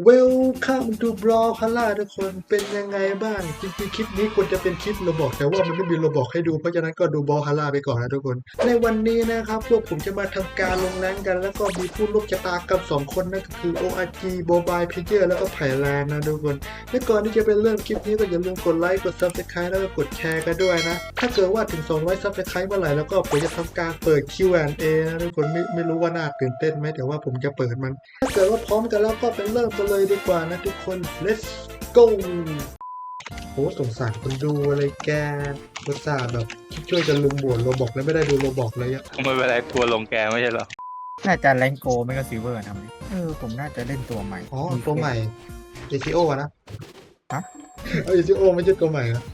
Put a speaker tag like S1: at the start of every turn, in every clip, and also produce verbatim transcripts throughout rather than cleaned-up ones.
S1: Welcome to Brawlhalla ทุกคนเป็นยังไงบ้างจริงๆคลิปนี้ควรจะเป็นคลิปโรบอกแต่ว่ามันไม่มีโรบอกให้ดูเพราะฉะนั้นก็ดู Brawlhalla ไปก่อนนะทุกคนในวันนี้นะครับพวกผมจะมาทำการลงแรงกันแล้วก็มีผู้ร่วมชะตากรรมสองคนนั่นก็คือ โอ อาร์ จี Mobile Player แล้วก็ไผ่แลนด์นะทุกคนและก่อนที่จะไปเริ่มคลิปนี้ก็อย่าลืมกดไลค์กด Subscribe แล้วก็กดแชร์กันด้วยนะถ้าเกิดว่าถึงสองร้อย Subscribe เมื่อไหร่แล้วก็ผมจะทำการเปิด คิว แอนด์ เอ นะทุกคนไม่ไม่รู้ว่าน่าตื่นเต้นไหมแต่ว่าผมจะเปิดมันถ้าเกิดว่าพร้อมกันแล้วก็ไปเริ่มกันเลยดีกว่านะทุกคน let's go โหสงสารคนดูอะไรแกรสชาติแบบช่วยกันลุมบวชโรบอกแล้วไม่ได้ดูโรบอกเลยอะ
S2: ไม่เป็นไรทัวร์ลงแกไม่ใช่เหรอ
S3: น่าจะแรงโกไม่ก็ซิลเวอร์นะเออผมน่าจะเล่นตัวใหม่
S1: อ๋อตัวใหม่ เอ ซี โอ อะนะ
S3: ฮะ
S1: เอ ซี โอ ไม่ใช่ตัวใหม่นะ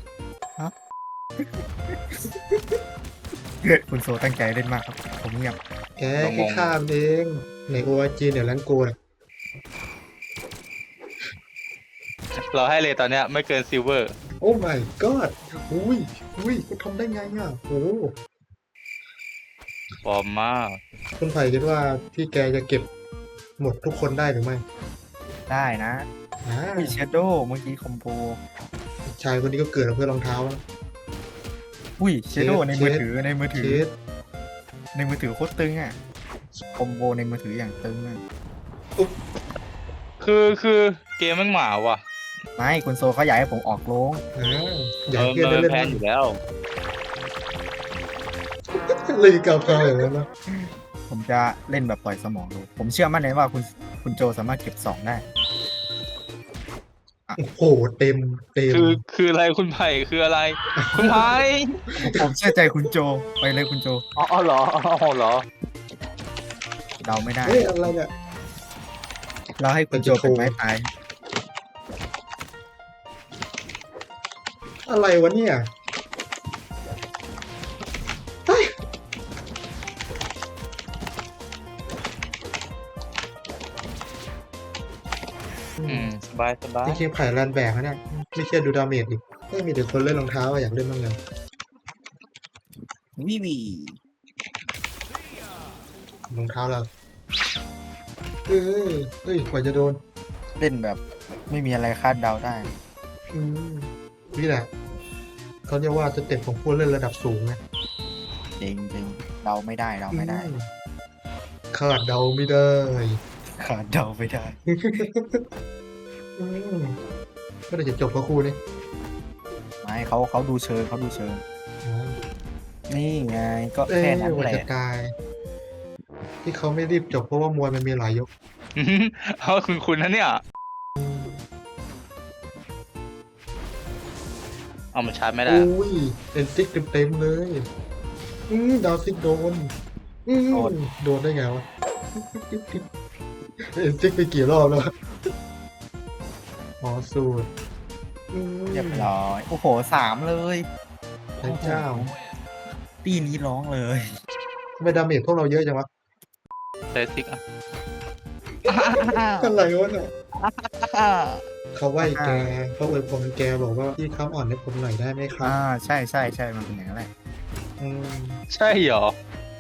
S3: คุณโซตั้งใจเล่นมากครับ ผมเงียบ
S1: แกแค่ข้ามเองใน โอ อาร์ จี เนี่ยแรงโกเนี่ย
S2: เราให้เลยตอนเนี้ยไม่เกินซิลเวอร์
S1: โอ้ my god อุ้ยอุ้ยคุณทำได้ไงอ่ะโอ้
S2: ปลอมมาก
S1: คุณไผ่คิดว่าพี่แกจะเก็บหมดทุกคนได้หรือไม่
S3: ได้นะ
S1: อ่า
S3: มีเชโดเมื่อกี้คอมโบ
S1: ชายคนนี้ก็เกิดมาเพื่อรองเท้าแล้ว
S3: อุ้ยเชโด
S1: เชฟ
S3: ในมือถือในมือถื
S1: เช
S3: อ
S1: ส
S3: ในมือถือโคตรตึงอ่ะคอมโบในมือถืออย่างตึงอ่ะ
S2: คือคือเกมมันหมาว่ะ
S3: ไม่คุณโซเขาอยากให้ผมออกโรง
S1: อ่าอ
S2: เอย
S1: าก
S2: อ
S1: ให้เพื่อน
S2: เมิ
S1: ได้
S2: น
S1: เล่น
S2: แพนอยู่แล้ว
S1: เลยกาวๆอย่างนั้นนะ
S3: ผมจะเล่นแบบปล่อยสมองดูผมเชื่อมั่นเลยว่าคุณคุณโจสามารถเก็บสองได้
S1: โอ้โหเต็มเต็ม
S2: คือคืออะไรคุณไผ่คืออะไร คุณไผ่
S3: ผมผมเชื่อใจคุณโจไปเลยคุณโจ
S2: อ๋ออ๋อเหรออ๋อเหรอ
S3: เดาไม่ได้
S1: เฮ้ยอะไรเนี่ย
S3: เราให้คุณโจเป็นไม้ตาย
S1: อะไรวะเนี่ยเฮ้ย
S2: อืมสบายสบาย
S1: จริงๆไผ่แลนแบกนะเนี่ยไม่เชื่อดูดาเมจดิไม่มีแต่คนเล่นรองเท้าอะอยากเล่นบ้างเลย
S3: วิวี
S1: รองเท้าเราเอ้ยเฮ้ยกว่าจะโดน
S3: เล่นแบบไม่มีอะไรคาดเดาได้
S1: อืมนี่แหละเขาเรียกว่าสเต็ปของผู้เล่นระดับสูงไง
S3: จริงจริงเดาไม่ได้เดาไม่ได้
S1: อืมคาดเดาไม่ได้
S3: คาดเดาไม่ได้
S1: อืมก็ได้จะจบกับครูนี่
S3: ไม่เขาเขาดูเชิงเขาดูเชิง
S1: อ๋อ
S3: นี่ไงก็
S1: เอ้ย
S3: แค่นั้น
S1: วัน
S3: แหละ
S1: จะตาย ที่เขาไม่รีบจบเพราะว่ามวยมันมีหลายยก
S2: อื้อหือเอาคุณคุณนะเนี่ย เอามาชาร์จไม่ได้
S1: อุ้ยเอ็นซิกเต็มๆเลย อืมดาวซิกโดน อืมโดนได้ไงวะ เอ็นซิกไปกี่รอบแล้วอ๋อสูตรอืม
S3: เรียบร้อยโอ้โหสามเลย
S1: พระเจ้า
S3: ตีนี้ร้องเลย
S1: ทำไมดาเมจพวกเราเยอะจังวะ
S2: เซซิกอ่ะ
S1: อะไรวะเนี่ยเขาไหวแกเขาอวยพรแกบอกว่าพี่เขาอ่อนให้ผมหน่อยได้ไหมครับ
S3: อ่าใช่ใช่ใช่มันเป็นอย่างนั้นแหละ
S1: อืม
S2: ใช่เหรอ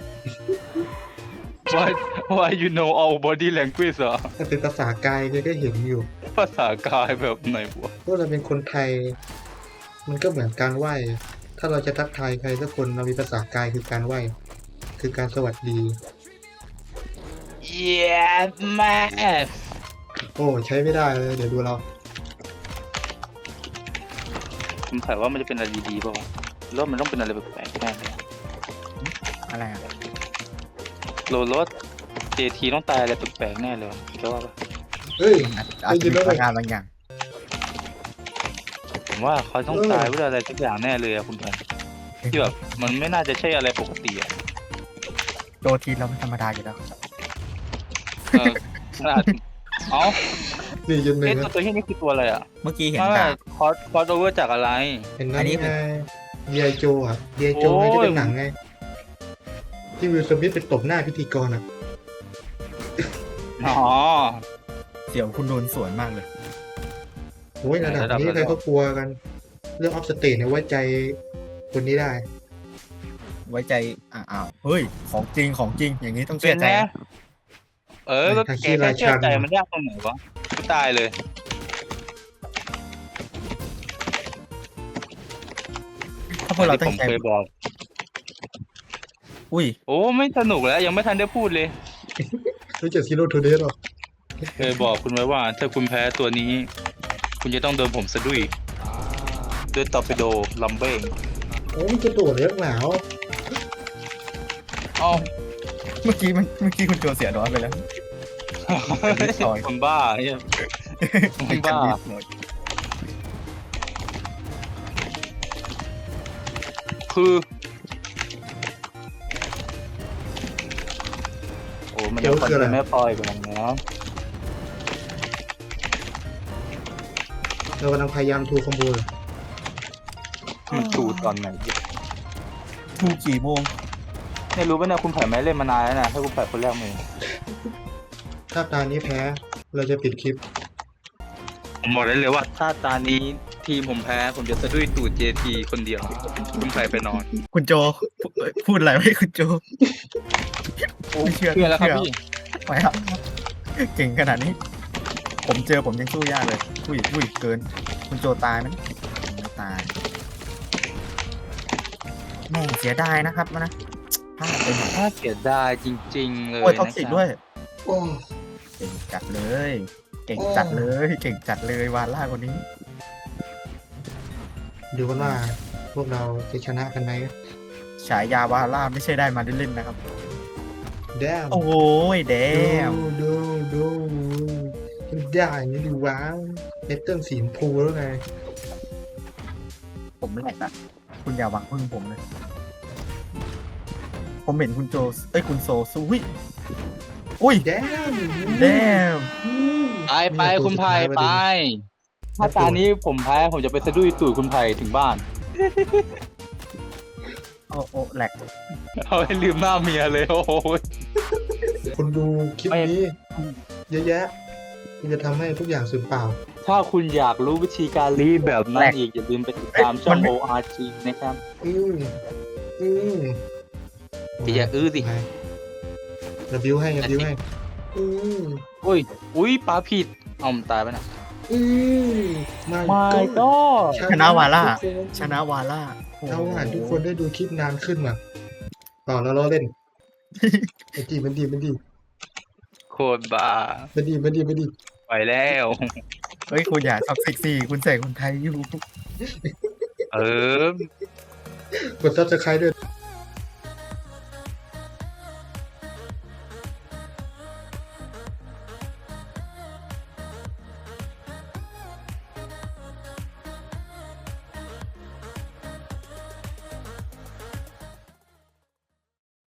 S2: Why Why you know all body language เหรอ
S1: ถ้าเป็นภาษากายแกก็เห็นอยู่
S2: ภาษากายแบบไหนวะ
S1: พวกเราเป็นคนไทย มันก็เหมือนการไหว้ ถ้าเราจะทักทายใครสักคนเรามีภาษากายคือการไหว้ คือการสวัสดี
S2: Yeah man
S1: โอ้ใช้ไม่ได้เลย เดี๋ยวดูเรา
S2: ผมขายว่ามันจะเป็นอะไรดีๆป่าวะหรือว่ามันต้องเป็นอะไรแปลกๆแน่เลย
S3: อะไรอ่ะ
S2: โลรถ เจ ที ต้องตายอะไรแปลกๆแน่เลยวะคิดว่าปะ
S1: เฮ้ย
S3: อาจอาจจะมีพลังงานบางอย่าง
S2: ผมว่าเขาต้องตายด้วยอะไรสักอย่างแน่เลยอะคุณพันที่แบบมันไม่น่าจะใช่อะไรปกติอะ
S3: โจทีเราไม่ธรรมดาอยู่แล้ว
S2: เออขนาดเอ้า
S1: นี่จนหนึ่
S2: เอ๊ะ
S1: ง
S2: ตัวตัวที่นี่คือตัวอะไรอะ
S3: เมื่อกี้เห็น
S2: ไม่
S3: ดาบ
S2: คอสคอสโอเวอร์จากอะไร
S1: เห็น
S3: อั
S1: นั่น
S3: นนี้
S1: ไงเดียโจอ่ะเดียโจ
S2: โอ้
S1: ไง
S2: ย
S1: ที่เป็นหนังไง ที่วิลสมิธไปตบหน้าพิธีกรอ่ะ
S2: อ๋อ
S3: เสี่ยวคุณโดนสวนมากเลย
S1: โอ้ยระดับ
S2: ระดับ
S1: นี้
S2: ระดับ
S1: ใครเขากลัวกัน เรื่องออฟสเตทเนี่ยไว้ใจคนนี้ได้
S3: ไว้ใจอ่าอ้าวเฮ้ยของจริงของจริงอย่างนี้ต้อง
S2: เป็
S3: เชื่
S2: น
S3: อใจ
S2: แน่เออก็
S1: ทาง
S2: แก
S1: ขี้
S2: แค่
S1: รา
S2: เชื่อ
S1: ชัน
S2: ใจมันยากตรงไหนวะกูตายเลย
S3: ถ้าพวกเรา
S2: ที่
S3: ตั้
S2: ผ
S3: ง
S2: ม
S3: ใจ
S2: เคยบอก
S3: อุ้ย
S2: โอ้ไม่สนุกแล้วยังไม่ทันได้พูดเลย
S1: รู้จักซีโร่ทูเดย์หรอ
S2: เคยบอกคุณไว้ว่า ถ้าคุณแพ้ตัวนี้ คุณจะต้องโดนผมสะดุ้ยด้วยตอร์ปิโดลัมเบ้ง
S1: โอ้มันจะโดดเลี้ยงหนาว
S2: อ้าว
S3: เมื่อกี้มันเมื่อกี้คุณโจเสียดอนไปแล้ว นิดหน่อย
S2: คนบ้าเฮีย
S3: เป็น
S2: บ้า
S3: กันนิดหน่อย
S2: คือโอ้มันยังคอนเทนต์ไม่พออีกแล้วนะ
S1: เรากำลังพยายามทูคอมโบเลย
S2: มันถูตอนไหน
S3: ทูกี่โมง
S2: ไม่รู้ป่ะเนี่ยคุณไผ่ไม่เล่นมานานแล้วนะถ้าคุณไผ่คนแรกมือ
S1: ถ้าตานี้แพ้ เราจะปิดคลิป
S2: ผมบอกได้เลยว่า ถ้าตานี้ทีมผมแพ้ ผมจะสะดุ้ยตูด เจ ที คนเดียว คุณไผ่ไปนอน
S3: คุณโจพูพูดอะไรไว้คุณโจ ไม่เชื่อ
S2: เชื่อแล้วครับ
S3: เชื่อ
S2: พี่
S3: ไปครับเก่งขนาดนี้ ผมเจอผมยังสู้ยากเลยอุ้ยอุ้ยเกิน คุณโจตายไหมไม่ตายแม่งเสียดายนะครับนะพลาดไปหน่อย
S2: ถ้าเสียดายจริง ๆ เลย
S3: โอ้ยท็อก
S2: นะ
S3: ซิก
S2: ครับ
S3: ด้วย
S1: โอ้
S3: เก่งจัดเลย เก่งจัดเลย เก่งจัดเลยวาล่าคนนี้
S1: ดูกันว่าพวกเราจะชนะกันไหม
S3: ฉายาวาล่าไม่ใช่ได้มาเล่นๆนะครับ
S1: แดม
S3: โอ้ยแดม
S1: ดูดูดูได้นี่ดูว้าวเนตเติ้ลสีชมพูแล้วไง
S3: ผมไม่แหลกนะคุณอย่าหวังพึ่งผมเลย ผมเห็นคุณโจ เอ้ยคุณโซสู้วิอุ้ย
S1: แดม
S3: แดม
S2: ไปไปคุณไผ่ไป ถ้าตานี้ผมแพ้ ผมจะไปสะดุ้ยตูดคุณไผ่ถึงบ้าน
S3: โอ้โอ้แหลก
S2: เอาให้ลืมหน้าเมียเลยโอ้ย
S1: คนดูคลิปนี้เยอะแยะที่จะทำให้ทุกอย่างสูญเปล่า
S2: ถ้าคุณอยากรู้วิธีการรีดแบบนั้นอีก อย่าลืมไปติดตามช่อง โอ อาร์ จี นะครับ
S1: อืมอืม
S2: อย่าอื้อสิ
S1: ระบิวให้ระบิวให้อืม
S2: อุ้ย อุ้ยปลาผิด เอามันตายไปนะ
S1: อืมมา
S2: ไม่ก็
S3: ชนะวาล่า
S1: ทุกคน
S3: ชนะวาล่าโอ้โห
S1: เอาว่าทุกคนได้ดูคลิปนานขึ้นมาต่อแล้วเราเล่น มันดีมันดีมันดี
S2: โคตรบ้า
S1: มันดีมันดีมันดี
S2: ไปแล้ว
S3: เฮ้ยคุณอย่าท็อกซิกซี่คุณใส่คนไทยอยู่
S2: เออ
S1: กดซับสไครต์ด้วย